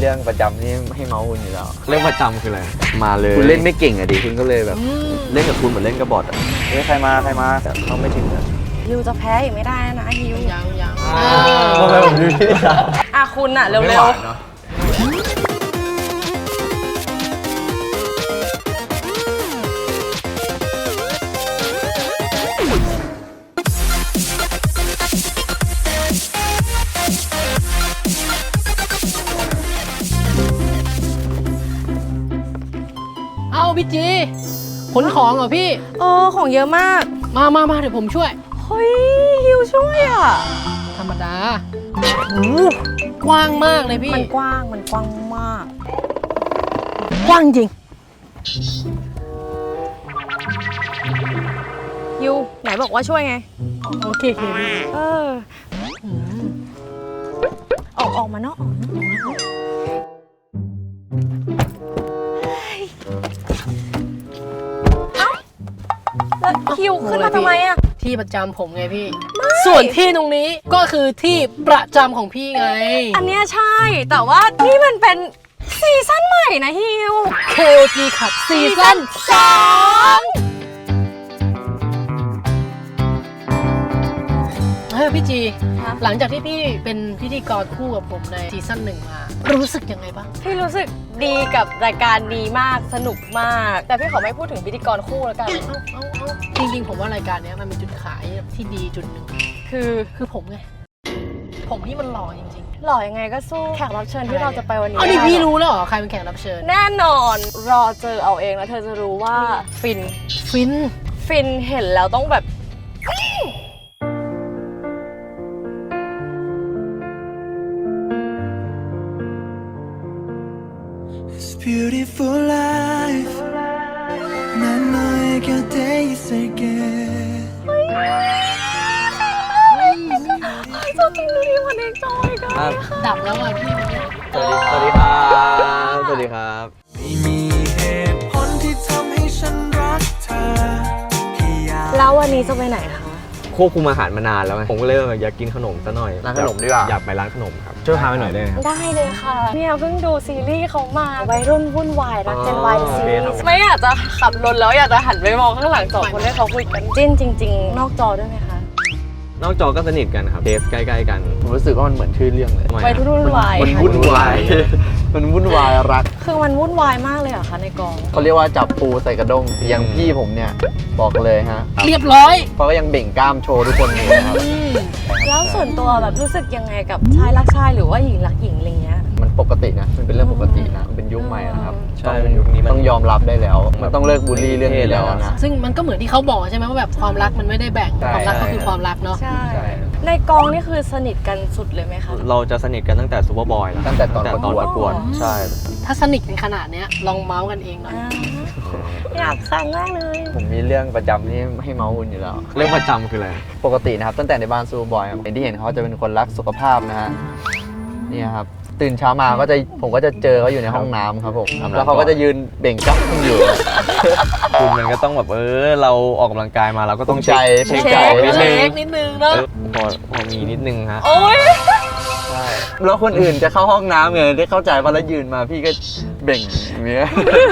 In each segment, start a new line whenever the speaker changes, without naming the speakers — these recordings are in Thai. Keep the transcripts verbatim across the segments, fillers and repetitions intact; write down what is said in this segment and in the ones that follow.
เรื่องประจำที่ให้เมาส์คุณอยู่แล้ว
เรื่องประจำคืออะไรมาเลย
คุณเล่นไม่เก่งอะดิคุณก็เลยแบบ
เล่นกับคุณเหมือนเล่นกับบอทอะ
เฮ้ยใครมาใครมาแต่เขาไม่ถึงอะ
ฮิวจะแพ้อีกไม่ได้นะฮิว
ยังยัง
ทำไมผมดูที่สาม
อ่ะคุณอะเร็วๆ
เอาพี่จีขนของเหรอพี่
เออของเยอะมาก
มามามาเดี๋ยวผมช่วย
เฮ้ยฮิวช่วยอ่ะ
ธรรมดา กว้างมากเลยพี่
มันกว้างมันกว้างมาก
กว้างจริง
ฮิวไหนบอกว่าช่วยไง
โอเคโอเค
เออออกออกมานอกออกแล้วฮิวขึ้นมาทำไมอะ
ที่ประจำผมไงพี่ส่วนที่ตรงนี้ก็คือที่ประจำของพี่ไง
อันเนี้ยใช่แต่ว่านี่มันเป็นซีซั่นใหม่นะฮิว
เค โอ จี ขับซีซั่นสองเฮ้ยพี่จีหลังจากที่พี่เป็นพิธีกรคู่กับผมในซีซั่นหนึ่งมารู้สึกยังไงบ้าง
พี่รู้สึกดีกับรายการดีมากสนุกมากแต่พี่ขอไม่พูดถึงพิธีกรคู่แล้วกัน
จริงๆผมว่ารายการนี้มันเป็นจุดขายที่ดีจุดหนึ่ง
คือ
คือผมไงผมที่มันหล่อจริง
ๆหล่อยังไงก็สู้แขกรับเชิญที่เราจะไปวันนี้
อ๋อนี่พี่รู้แล้วเหรอใครเป็นแขกรับเชิญ
แน่นอนรอเจอเอาเองแล้วเธอจะรู้ว่าฟิน
ฟิน
ฟินเห็นแล้วต้องแบบ
Beautiful life 난 너의 곁에 있을게
ชอบกินนี่วันนี้จอยกัน
ดับแล้วอ่ะพี่
สวัสดีครับสวัสดีครับ
ไม่มีเหตุผลที่ทำให้ฉันรักเธอ
แล้ววันนี้จะไปไหนคะ
ควบคุมอาหารมานานแล้วผมก็เลยอยากกินขนมซะหน่อย
ร้านขนมดีกว่า
อยากไปร้านขนมครับช่วยพาไปหน่อยได้ไหมครับ
ได้เลยค่ะเนี่ยเพิ่งดูซีรีส์เขามาวัยรุ่นวุ่นวายรักเจนวายซีรีส์ไม่อยากจะขับรถแล้วอยากจะหันไปมองข้างหลังสองคนให้เขาคุยกันจิ้นจริงๆนอกจอด้วยไหมคะ
นอกจอก็สนิทกันครับเดฟใกล้ๆกัน
ผมรู้สึกว่ามันเหมือนชื่อเรื่องเลย
วัยรุ่นวุ่นวาย
มันวุ่นวายมันวุ่นวายรัก
คือมันวุ่นวายมากเลยเหรอคะในกอง
เขาเรียกว่าจับปูใส่กระด้งอย่างพี่ผมเนี่ยบอกเลยฮะ
เรียบร้อย
เพราะก็ยังเบ่งกล้ามโชว์ทุกคนเลยครับ
แล้วส่วนตัวแบบรู้สึกยังไงกับชายรักชายหรือว่าหญิงรักหญิงอะไรเงี้ย
มันปกตินะมันเป็นเรื่องปกตินะมันเป็นยุคใหม่นะครับ
ใช่เป็นยุคนี้
ต้องยอมรับได้แล้วมันต้องเลิกบูลลี่เรื่องนี้แล้วนะ
ซึ่งมันก็เหมือนที่เขาบอกใช่ไหมว่าแบบความรักมันไม่ได้แบ่งความรักก็คือความรักเนาะ
ใช่ในกองนี่คือสนิทกันสุดเลยไหมคะ
เราจะสนิทกันตั้งแต่ซูเปอร์บอยแล้ว
ตั้งแต่ตอนประกวด
ใช่
ถ้าสนิทกันขนาดนี้ลองเมาส์กันเองหน่อย
อยากฟังมากเลย
ผมมีเรื่องประจำที่ให้เมาส์คุณอยู่แล้ว
เรื่องประจำคืออะไร
ปกตินะครับตั้งแต่ในบ้านซูเปอร์บอยเป็นที่เห็นเขาจะเป็นคนรักสุขภาพนะฮะนี่ครับตื่นเช้ามาก็จะผมก็จะเจอเขาอยู่ในห้องน้ำครับผมแล้วเขาก็จะยืนเบ่งจ้องอยู่
คุณมันก็ต้องแบบเออเราออกกำลังกายมาเราก็ต้อง
ใจ
เช็คใจนิดนึงเนาะ
พอพอมีนิดนึงฮะ
โอ๊ย
ใช่แล้วคนอื่นจะเข้าห้องน้ำไงได้เข้าใจว่าแล้วยืนมาพี่ก็เบ่งอย่างเงี้ย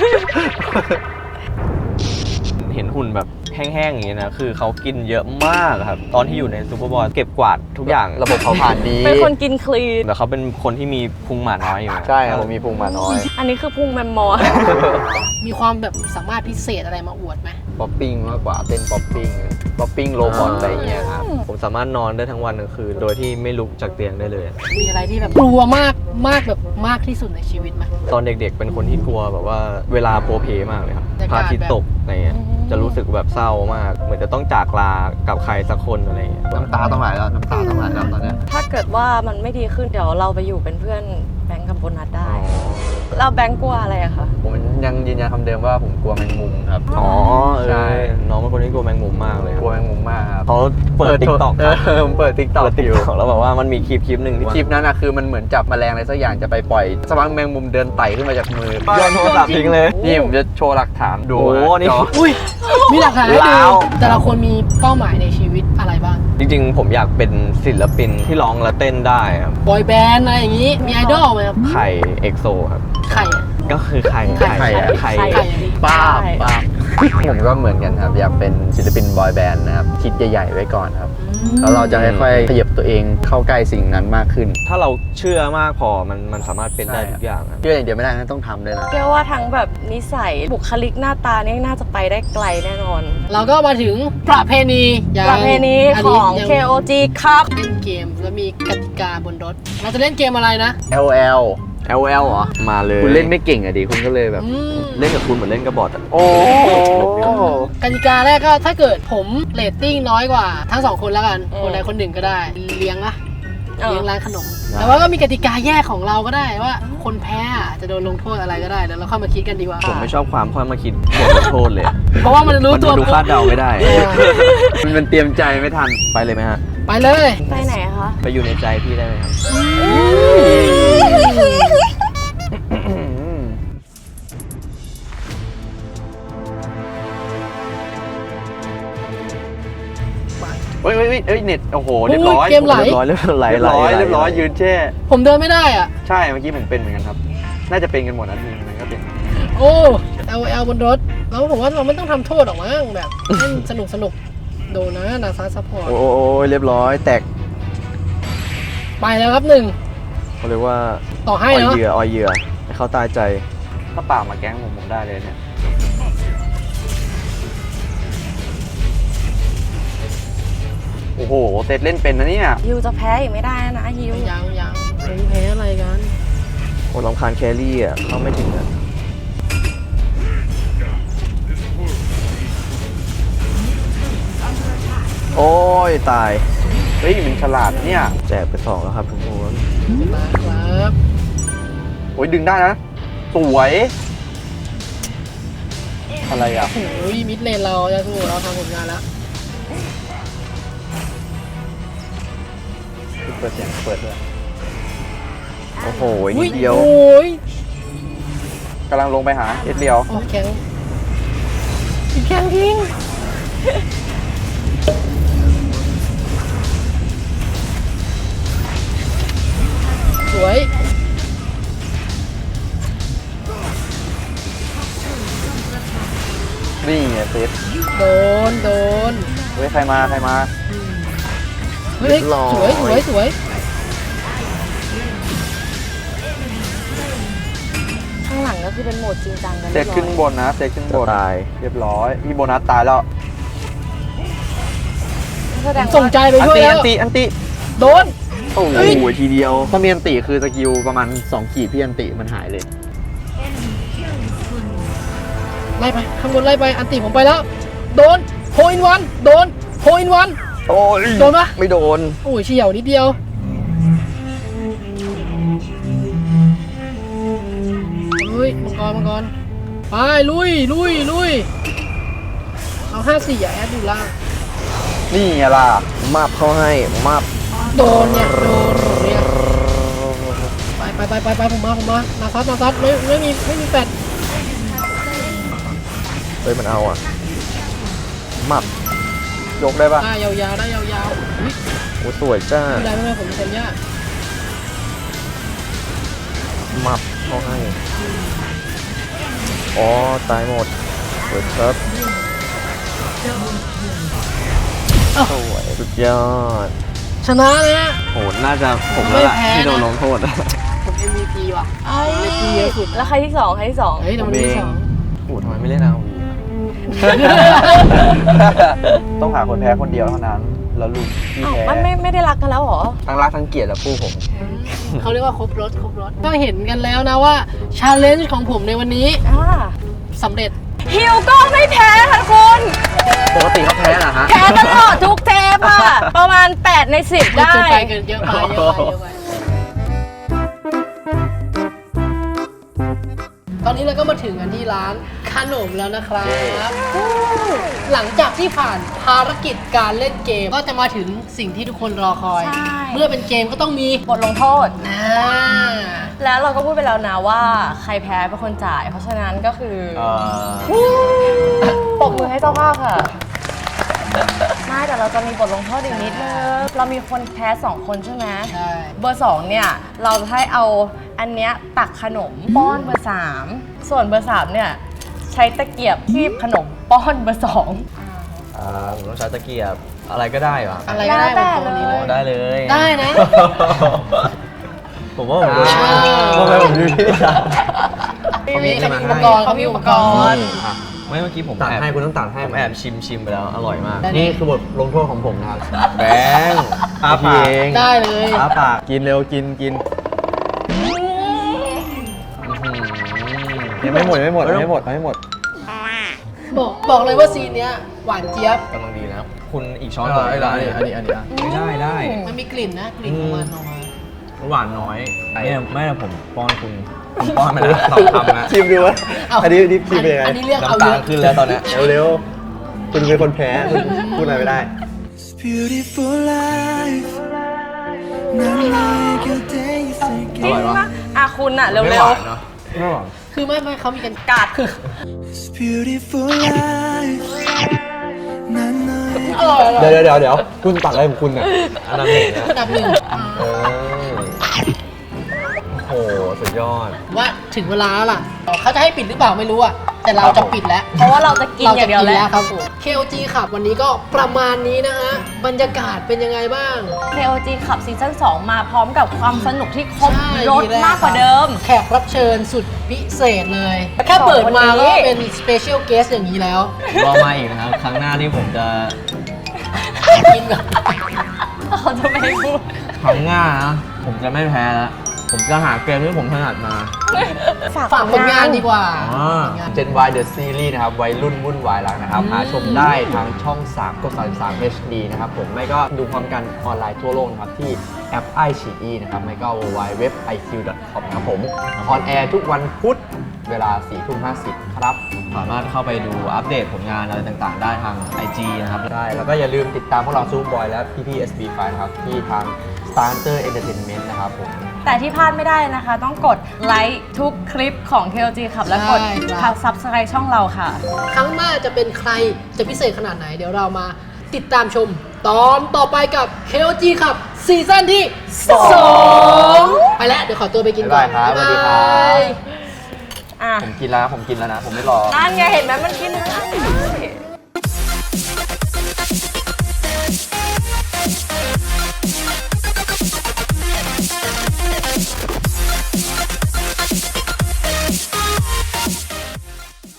เห็นหุ่นแบบแห้งๆอย่างนี้นะคือเขากินเยอะมากครับตอนที่อยู่ในซูเปอร์บอลเก็บกวาดทุกอย่าง
ระบบเผาผลาญดี
เป็นคนกินคลีน
แต่เขาเป็นคนที่มีพุงหมาน้อยอยู่
ใช่ผมมีพุงหมาน้อย
อันนี้คือพุงแมมมอ
มีความแบบสามารถพิเศษอะไรมาอวดไหม
ป๊อปปิ้งมากกว่าเต้นป๊อปปิ้งป๊อปปิ้งโรบอทอะไรเงี้ยครับ
ผมสามารถนอนได้ทั้งวันทั้งคืนโดยที่ไม่ลุกจากเตียงได้เลย
มีอะไรที่แบบกลัวมากมากแบบมากที่สุดในชีวิตไหม
ตอนเด็กๆเป็นคนที่กลัวแบบว่าเวลาโพเพมากเลยครับพระอาทิตย์ตกอะไรเงี้ยจะรู้สึกแบบเศร้ามากเหมือนจะต้องจากลากับใครสักคนอะไรเงี้ย
น้ำตาต้องไหลแล้วน้ำตาต้องไหลแล้วตอนนี้
ถ้าเกิดว่ามันไม่ดีขึ้นเดี๋ยวเราไปอยู่เป็นเพื่อนแบงค์กับโบนัสได้เราแบงค์กลัวอะไรอะคะ
ผมยังยืนยันคำเดิมว่าผมกลัวแมงมุมครับ
อ๋อใช่น้องเป็นคนที่กลัวแมงมุมมากเลย
กลัวแมงมุมมากครับ
เขาเปิดติ๊กต็อก
ผมเปิดติ๊กต็อก
อยู่แล้วแบบว่ามันมีคลิปคลิปหนึ่ง
คลิปนั้นอะคือมันเหมือนจับแมลงอะไรสักอย่างจะไปปล่อยสักพักแมงมุมเดินไต่ขึ้นมาจากมือ
โยนโทรศัพท์ทิ้งเลย
นี่ผมจะโชว์หลักฐานดู
โอ้นี่
อุ้ยมีหลักฐานให้ดูแต่ละคนมีเป้าหมายในชีวิตอะไรบ้าง
จริงๆ ผมอยากเป็นศิลปินที่ร้องและเต้นได้ครับ
บอยแบนด์อะไรอย่างนี้มีไอดอลไหมครับ
ไข่เอ็กโซครับ
ไข่อะ
ก็คือไข่
ไข่
ไข่
ไข่อะดิ
ป้าบป้าบผมก็เหมือนกันครับ อยากเป็นศิลปินบอยแบนด์นะครับ คิดใหญ่ๆไว้ก่อนครับ แล้วเราจะค่อยๆขยับตัวเองเข้าใกล้สิ่งนั้นมากขึ้น
ถ้าเราเชื่อมากพอมันมันสามารถเป็นได้
ใช่
ทุกอย่างครับ
เชื่ออย่างเดียวไม่ได้นะต้องทำด้วยนะ
เชื่อว่าทั้งแบบนิสัยบุคลิกหน้าตานี่น่าจะไปได้ไกลแน่นอน
เราก็มาถึงประเพณีอย่าง
ประเพณี
น
ข
นี้
อง
ยัง
เค โอ จี ครับ
เล่นเกมแล้วมีกติกาบนรถ เราจะเล่นเกมอะไรนะ
แอล แอล
แอล แอล เหรอ มาเลย
คุณเล่นไม่เก่งอะดิคุณก็เลยแบบ
อืม
เล่นกับคุณเหมือนเล่นกับบอทอะ
โอ้
กติกาแรกก็ถ้าเกิดผมเรตติ้งน้อยกว่าทั้งสองคนแล้วกัน
อืม
คนใดคนหนึ่งก็ได้ เลี้ยงอะ
เออ
เลี้ยงร้านขนม แต่ว่าก็มีกติกาแยกของเราก็ได้ว่า คนแพ้อะจะโดนลงโทษอะไรก็ได้เดี๋ยวเราค่อยมาคิดกันดีกว่า
ผมไม่ชอบความค่อยมาคิดบทลงโทษเลยอะ
เพราะว่ามันรู้
มัน
ตัว
ดูคาดเดาไม่ได้
เออ
มันมันเตรียมใจไม่ทัน
ไปเลยไหมฮะ
ไปเลย
ไปไหนคะ
ไปอยู่ในใจพี่ได้ไหมครับ
เฮ้ยเฮ้ยเฮ้ยเฮ้ยเน็ตโอ้โหเรียบร้อย
เกมไหล
เรียบร้อยเรียบร้อย
เรียบร้อยเรียบร้อยยืนแช่
ผมเดินไม่ได้อ่ะ
ใช่เมื่อกี้ผมเป็นเหมือนกันครับ น่าจะเป็นกันหมดนะทีมมันก็เป็น
โอ้ L L บนรถ แล้วผมว่าเราไม่ต้องทำโทษหรอกมั้งแบบเล่นสนุกสนุกๆดูนะนาซาซัพพอร์ต
โอ้ยเรียบร้อยแตก
ไปแล้วครับหนึ่ง
เขาเรียกว่า
ต่อให้
ออย
เนาะ
เหยื่อออยเหยื่อให้เขาตายใจ
ถ้าเปล่ามาแก๊งผมผมได้เลยเนี่ยโอ้โหเซตเล่นเป็นนะเนี่ย
ฮิวจะแพ้อีกไม่ได้นะฮิว
ยังยังเฮ้ยแพ้อะไรกัน
โอ้ลำคาญแครี่อ่ะเข้าไม่ถึงอ่ะโอ้ยตาย
เฮ้ยมันฉลาดเนี่ย
แจกไปสองแล้วครับทุกคน
มาครับ
โอ้ยดึงได้นะ สวย อะไรอ่ะ
โอ้ยมิดเลนเราจะสู้เราทำผลงานแล้ว
เปิดเสียงเปิดด้วย
โอ้โห
อุ้
นิดเดียว
โอ้ย
กำลังลงไปหาเอ็ดเดียว
โอ้แข็ง
แข่งทิ้ง
สวย
นี่ไงเซต
โดนโดน
เฮ้ยใครมาใครมา
เฮ้ยสวยสวยสวย
ข้างหลังก็คือเป็นโหมดจริงจังกัน
เซตขึ้นบนนะเซตขึ้นบน
จะตาย
เรียบร้อย พี่โบนัสตายแล้ว
แสดง
ส่ง
ว่า
ใจไป
อัน
ช่วย
ติ
แล้
อั
วน
ติอันติ
โดน
โอ้โห
โอ้โหทีเดียว
ถ้ามีอันติคือสกิลประมาณสองขีดพี่อันติมันหายเลย
ไล่ไปข้างบนไล่ไปอันติผมไปแล้ว โดนโพอินวันโดนโพอินวัน
โอ้ย
โดนปะ
ไม่โดน
โอ้ยเฉียวนิดเดียวเฮ้ยมังกรมังกรไปลุยลุยลุยเอาห้าสี่อย่าแอดอยู่ล่าง
นี่ไงล่ะ
มาบเข้าให้มาบ
โดนเนี่ยโดนเนี่ยไปไปไปไปไปผมมาผมมานาซัดนาซัดไม่ไม่มีไม่มีแฟด
เฮ้ยมันเอาอ่ะมาบ
ยกได้ปะ
ได้ยาวๆได้ยาวๆอุ๊ย
โอ้สวยจ้า
ไม่ได้ไม่ได้ผมเป็นคนยาก
มาบเข้าให้อ๋อตายหมดสวยครับสวยสุดยอด
ชนะเลยฮะ
โหน่าจะผมแล้วล่ะ
ไม่แพ้นะ
ที่โดนลงโทษ
ผม เอ็ม วี พี ว่ะเล่นดีเยอะสุด
แล้วใครที่สองใครที่สอง
เฮ้ยแต่มันที่สอง
โอ้ทำไมไม่เล่นเอาวี
ต้องหาคนแพ้คนเดียวเท่านั้น แล้วลุงพี่
อ้าว
แพ้
มันไม่ไม่ได้รักกันแล้วเหรอ
ทั้งรักทั้งเกลียดอะคู่ผม
เขาเรียกว่าครบรถครบรถก็เห็นกันแล้วนะว่าชาเลนจ์ของผมในวันนี้
อ่า
สำเร็จ
ฮิวก็ไม่แพ้ค่ะคุณ
ปกติเขาแพ้เหรอฮะ
แพ้ตลอดทุกเทปอะประมาณแปดในสิบ
เกิ
ได้
นไปเกินเยอะไปเยอะไปเยอะไปตอนนี้เราก็มาถึงกันที่ร้านขนมแล้วนะครับ หลังจากที่ผ่านภารกิจการเล่นเกม ก็จะมาถึงสิ่งที่ทุกคนรอคอย
ใช่
เมื่อเป็นเกมก็ต้องมี
บทลงโทษ
อ่า
แล้วเราก็พูดไปแล้วนะว่าใครแพ้เป็นคนจ่าย เพราะฉะนั้นก็คือ
เอ่อ
ปรบมือให้เจ้าภาพค่ะไม่แต่เราจะมีบทลงโทษอีกนิดนึงเรามีคนแพ้สองคนใช่ไหม
ใช่
เบอร์สองเนี่ยเราจะให้เอาอันเนี้ยตักขนมป้อนเบอร์สามส่วนเบอร์สามเนี่ยใช้ตะเกียบคีบขนมป้อนเบอร์สอง
อ่าผมต้องใช้ตะเกียบอะไรก็ได้เหรอ
อะไรก็ได้บนตัวนี้เลย
ได้เลย
ได้นะ
ผมว่าผมดู
อ่า
ทำไมผมดูที่จัด
เขามีอุปกรณ์เขามีอุปกรณ์
อ่ะ
ไม่เมื่อกี้ผม
ตัด
แอบ
ให้คุณต้องตัดให้
ผมแอบชิมชิมไปแล้วอร่อยมาก
ได้
นี่คือบทลงโทษของผมนะครับ
แบงค์อาปาก
เอง
ได้เลย
อาปากกินเร็วกินกิน
ยังไม่หมดยังไม่หมดยังไม่หมดยังไม่หมด
บอกบอกเลยว่าซีนเนี้ยหวานเจี๊ยบ
กำลังดีนะคุณอีกช้อน
อั
ก่อน
น
ได้
นี้
ไหม
อันนี้อันนี้อ่ะ
ไม่ได้ได้
มันมีกลิ่นนะกลิ่นของมันออกมา
หวานน้อยเนี่ยไม่แต่ผมป้อนคุณผมป้อนไปแล้วสองคำนะ
ชิมดูวะ
เา
อันนี้ดิฟชิมเป็นยังไง
อันนี้เรียกเอา
น้ำ
เย
ตา
อะ
ขึ้นแล้วตอนเนี้ย
เร็วๆคุณเป็นคนแพ้คุณพูดอะไรไม่ได้
It's beautiful life 난 너의 곁에
จริง
있을게
ปะอ่ะคุณอะเร็ว
ไม่หวานเนาะ
ไม่หวัง
คือไม่ไม่เขามีกัน
ๆกาดคือ
It's beautiful life 난 너의
อร่อยอร่อย
เดี๋ยวเดี๋ยวเดี๋ยวคุณตัดอะไรของคุณเนี่ย
อันดับหนึ่งนะ
อันดับหนึ่ง
เออโอ้โหสุดยอด
ว่าถึงเวลาแล้วล่ะเขาจะให้ปิดหรือเปล่าไม่รู้อะแต่เราจะปิดแล้ว
เพราะว่าเราจะกินอย่างเดียว
รจะ
แล้ว
ครับผม เค โอ จี ขับวันนี้ก็ประมาณนี้นะฮะ บรรยากาศเป็นยังไงบ้าง
เค โอ จี ขับซีซั่นสองมาพร้อมกับความสนุกที่ครบ
ใช่
รถมากกว่าเดิม
แขกรับเชิญสุดพิเศษเลย แค่เปิดมาก็เป็นสเปเชียลเกสอย่างนี้แล้ว
รอมาอีกนะครับ ครั้งหน้าที่ผมจะ
กินแบบ
เขาจะไม่ให้พูด
ครั้งหน้านะผมจะไม่แพ้แล้ว ผมจะหาเกมที่ผมถนัดมา
ฝากผลงานดีกว่า
อ่า
ผลงาน
Gen Y The Series นะครับวัยรุ่นวุ่นวายรักนะครับ หาชมได้ทางช่องสามกดสามสิบสาม เอช ดี นะครับผมไม่ก็ดูพร้อมกันออนไลน์ทั่วโลกนะครับ ที่แอป ไอ ซี อี นะครับ ไม่ก็ ดับเบิลยู ดับเบิลยู ดับเบิลยู ดอท ไอ คิว ดอท คอม ครับผมออนแอร์ทุกวันพุธเวลาสี่ทุ่มห้าสิบครับ
สามารถเข้าไปดูอัปเดตผลงานอะไรต่างๆ ได้ทาง ไอ จี นะครับ
ได้ แล้วก็อย่าลืมติดตามพวกเราซูบอยและพี่พี่ เอส บี ไฟ นะครับ ที่ทาง Starter Entertainment นะครับผม
แต่ที่พลาดไม่ได้นะคะ ต้องกดไลค์ทุกคลิปของ เค โอ จี ขับ และกด
ใช่ครับ
ซับสไครต์ช่องเราค่ะ
ครั้งหน้าจะเป็นใครจะพิเศษขนาดไหน เดี๋ยวเรามาติดตามชม ตอนต่อไปกับ เค โอ จี ขับซีซั่นที่สองไปแล้ว เดี๋ยวขอตัวไปกินก่อน
บ๊ายบายครับสวัสดีครับ
บ๊ายบาย
อ่ะ
ผมกินแล้วนะผมกินแล้วนะ ผมไม่รอ
นั่นไงเห็นไหมมันกินได้